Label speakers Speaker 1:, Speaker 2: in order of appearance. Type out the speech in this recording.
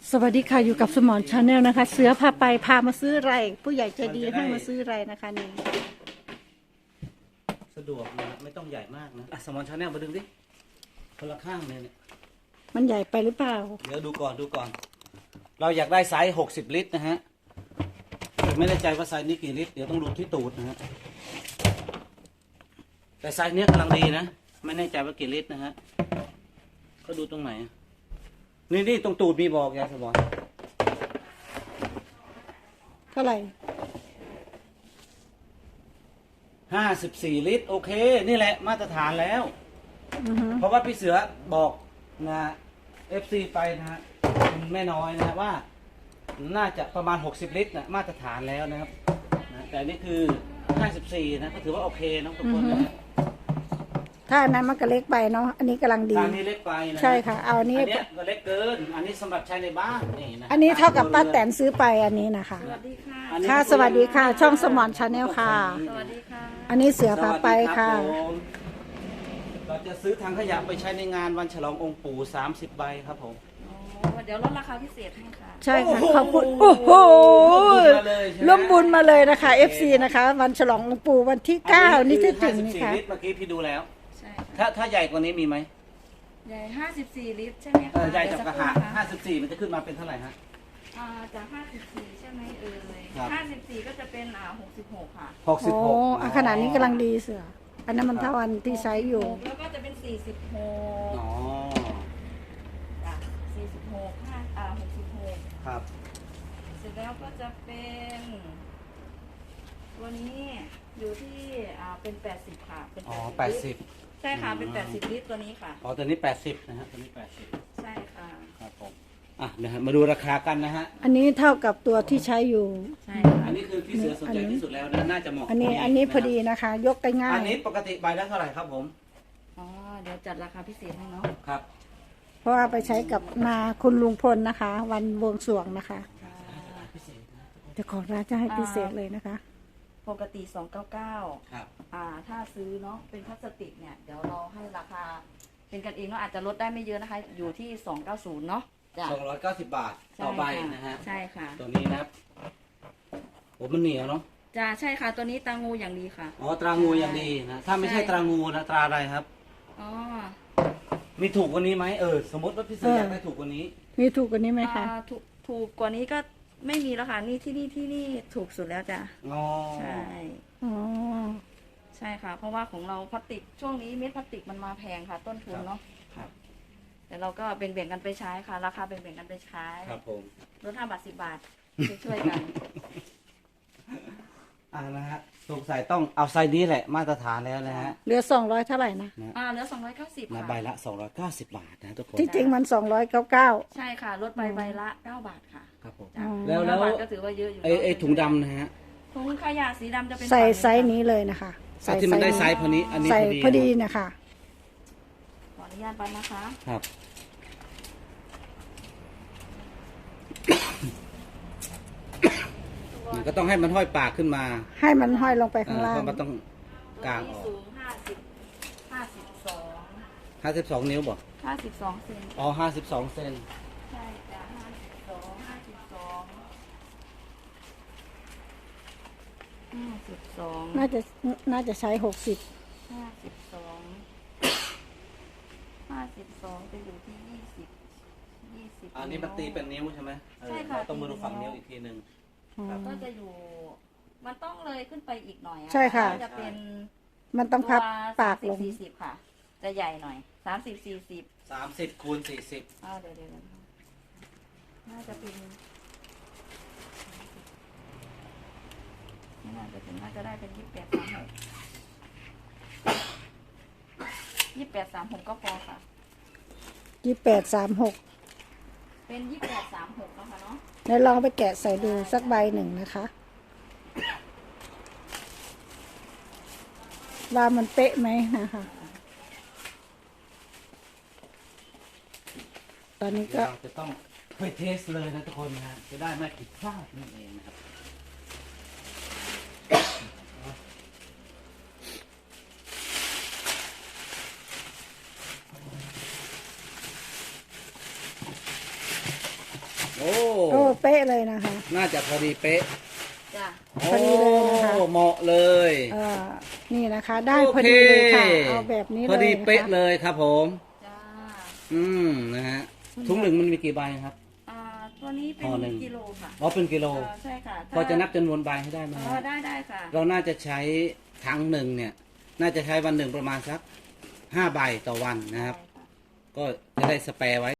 Speaker 1: สวัสดีค่ะอยู่กับสมอนชาแนลนะคะ เสือพาไปพามาซื้อไรผู้ใหญ่ใจดีให้มาซื้อไรนะคะนี่
Speaker 2: สะดวกนะไม่ต้องใหญ่มากนะสมอนชาแนลมาดึงดิคนละข้างเนี่ย
Speaker 1: มันใหญ่ไปหรือเปล่า
Speaker 2: เดี๋ยวดูก่อนเราอยากได้ไซส์60 ลิตรนะฮะไม่แน่ใจว่าไซส์นี้กี่ลิตรเดี๋ยวต้องดูที่ตูดนะฮะแต่ไซส์นี้กำลังดีนะไม่แน่ใจว่ากี่ลิตรนะฮะก็ดูตรงไหนนี่ตรงตูดมีบอกยาสมอน
Speaker 1: เท่าไหร่
Speaker 2: 54 ลิตรโอเคนี่แหละมาตรฐานแล้วเพราะว่าพี่เสือบอกนะFC ไปนะฮะแม่น้อยนะว่าน่าจะประมาณ60 ลิตรนะมาตรฐานแล้วนะครับนะแต่นี่คือ54นะก็ถือว่าโอเคน้องทุกคนนะ
Speaker 1: ถ้าอันนั้นมันก็เล็กไปเนาะอันนี้กำลังดี
Speaker 2: อันนี้เล็กไปนะ
Speaker 1: ใช่ค่ะเอาอันนี้
Speaker 2: ก็เล็กเกินอันนี้สำหรับใช้ในบ้านนี่นะ
Speaker 1: อันนี้เท่ากับป้าแตนซื้อไปอันนี้นะคะ
Speaker 3: สวัสดีค่ะ
Speaker 1: ค่ะสวัสดีค่ะช่องสมอนชาแนลค่ะ
Speaker 3: สวัสดีค่ะ
Speaker 1: อันนี้เสือพาไปค่ะ
Speaker 2: เราจะซื้อถังขยะไปใช้ในงานวันฉลององค์ปู่30 ใบครับผม
Speaker 3: เดี๋ยวลดราคาพิเศษให้ค่ะ
Speaker 1: ใช่ค่ะขอบคุณโอ้โหร่วมบุญมาเลยนะคะ FC นะคะวันฉลององค์ปู่วันที่9นี่ที่ถึงนี่ค่ะ
Speaker 2: เมื่อกี้พี่ดูแล้ว
Speaker 3: ใช่
Speaker 2: ถ้าใหญ่กว่านี้มีไหม
Speaker 3: ใหญ่54 ลิตรใช่ไหมคะ
Speaker 2: ใหญ่จากกระหะ54มันจะขึ้นมาเป็นเท่าไหร่ฮะ
Speaker 3: จาก54ใช่ไหม54ก็จะเป็น66ค่ะ
Speaker 1: โอ้ขนาดนี้กำลังดีเสืออันนั้นมันเท่าอันที่ใช้อยู่
Speaker 3: แล้วก็จะเป็น46
Speaker 2: อ๋อ
Speaker 3: 46 66
Speaker 2: ครับ
Speaker 3: เสร็จแล้วก็จะเป็นตัวนี้อยู่ที่เป็น80ค่ะเป็น
Speaker 2: 80
Speaker 3: ใช่ค่ะเป็น80 ลิตรตัวนี้ค่ะ
Speaker 2: อ๋อตัวนี้80นะฮะตัวนี้80
Speaker 3: ใช่ค่ะ
Speaker 2: ครับผมนะฮะมาดูราคากันนะฮะ
Speaker 1: อันนี้เท่ากับตัวที่ใช้อยู่
Speaker 3: ใช่ค่ะ
Speaker 2: อันนี้คือพี่เสือสนใจที่สุดแล้วนะน่าจะเหมาะ
Speaker 1: อันนี้พอดีนะคะยกได้ง่าย
Speaker 2: อันนี้ปกติใบละเท่าไหร่ครับผม
Speaker 3: เดี๋ยวจัดราคาพิเศษให้เนาะ
Speaker 2: ครับ
Speaker 1: เพราะว่าไปใช้กับนาคุณลุงพลนะคะวันบวงสรวงนะคะจะขอร้านจะให้พิเศษเลยนะคะ
Speaker 3: ปกติ299
Speaker 2: ครับ
Speaker 3: ถ้าซื้อเนาะเป็นพลาสติกเนี่ยเดี๋ยวเราให้ราคาเป็นกันเองเนาะอาจจะลดได้ไม่เยอะนะคะอยู่ที่290เนาะ
Speaker 2: 290 บาทต่อใบนะฮะ
Speaker 3: ใช่ค่ะ
Speaker 2: ตัวนี้นะครับโอ้มันเหนียวเนาะ
Speaker 3: ใช่ค่ะตัวนี้ตรางูอย่างดีค่ะ
Speaker 2: อ๋อตรางูอย่างดีนะถ้าไม่ใช่ตรางูนะตราอะไรครับมีถูกกว่านี้ไหมสมมติว่าพี่เสืออยากได้ถูกกว่านี้
Speaker 1: มีถูกกว่านี้ไหมคะ
Speaker 3: ถูกกว่านี้ก็ไม่มีแล้วค่ะนี่ที่นี่ถูกสุดแล้วจ้ะใช่ใช่ค่ะเพราะว่าของเราพลาสติกช่วงนี้เม็ดพลาสติกมันมาแพงค่ะต้นทุนเนาะ
Speaker 2: ครับ
Speaker 3: แต่เราก็แบ่งกันไปใช้ค่ะราคาแบ่งกันไปใช้
Speaker 2: ครับผม
Speaker 3: ลด5 บาท 10 บาทช่วยกัน
Speaker 2: นะฮะสงสัยต้องเอาไซส์นี้แหละมาตรฐานแล้วนะฮะ
Speaker 1: เหลือ200เท่าไหร่นะ
Speaker 3: เหลือ290ค่ะ
Speaker 2: ใบละ290 บาทนะทุกคน
Speaker 1: ที่จริงมัน299
Speaker 3: ใช่ค่ะลดใบละ9 บาทค่ะ
Speaker 2: ครับผม
Speaker 3: แล้วก็ถือว่าเยอะอยู่
Speaker 2: ไอ้ถุงดำนะฮะ
Speaker 3: ถุงขยะสีดำจะเป็น
Speaker 1: ใส่ไซส์นี้เลยนะคะ
Speaker 2: ใส่ที่มันได้ไซส์พอนี้อันนี้
Speaker 1: ใส่พอดีนะคะ
Speaker 3: ขออนุญาตไปนะคะ
Speaker 2: ครับมันก็ต้องให้มันห้อยปากขึ้นมา
Speaker 1: ให้มันห้อยลงไปข้างล่าง
Speaker 2: มันต้องกางออก
Speaker 3: สูง
Speaker 2: 52 นิ้วบ่
Speaker 3: 52 เซน
Speaker 2: อ๋อ52 เซน
Speaker 3: ใช่จ้ะ52
Speaker 1: น่าจะใช้60
Speaker 3: 52จะอยู่ที่20
Speaker 2: อันนี้มันตีเป็นนิ้วใช่ไหม
Speaker 3: ใช่ค่ะ
Speaker 2: ต้องมาดูฝั่งนิ้วอีกทีหนึ่ง
Speaker 3: ก็จะอยู่มันต้องเลยขึ้นไปอีกหน่อย
Speaker 1: ใช่ค่ะ
Speaker 3: จะเป็น
Speaker 1: มันต้องพับปากลง
Speaker 3: 40ค่ะจะใหญ่หน่อย
Speaker 2: 30 คูณ 40
Speaker 3: เดี๋ยวน่าจะเป็นน่าจะได้เป็น2836ก็พอค่ะ
Speaker 1: 2836
Speaker 3: เป็น2836นะคะเนาะ
Speaker 1: เดี๋ยวลองไปแกะใส่ดูสักใบหนึ่งนะคะว่ามันเป๊ะไหมนะคะตอนนี้ก็
Speaker 2: จะต้องไปเทสเลยนะทุกคนนะจะได้ไม่ผิดพลาดนั่นเองนะครับโอ้
Speaker 1: โอ้เป๊ะเลยนะคะ
Speaker 2: น่าจะพอดีเป๊ะ
Speaker 3: จ้ะ
Speaker 1: พอดีเลยนะคะ
Speaker 2: โอ้เหมาะเลย
Speaker 1: นี่นะคะ ได้พอดีเลยค่ะเอาแบบนี้เลย
Speaker 2: พอดีเป๊ะ
Speaker 1: นะคะ
Speaker 2: เลยครับผม
Speaker 3: จ้า
Speaker 2: นะฮะถุงหนึ่งมันมีกี่ใบครับ
Speaker 3: ตัวนี้เป็
Speaker 2: ห่อหนึ่
Speaker 3: น
Speaker 2: ง
Speaker 3: กิโลค่ะ
Speaker 2: อ๋อเป็นกิโล
Speaker 3: ใช่ค่ะ
Speaker 2: พอจะนับจำนวนใบให้ได้ไหม
Speaker 3: อ๋
Speaker 2: ฮะ
Speaker 3: อได้ค่ะ
Speaker 2: เราน่าจะใช้ถังหนึ่งเนี่ย น่าจะใช้วันหนึ่งประมาณสัก5 ใบต่อวันนะครับ ก็จะได้สแปร์ไว้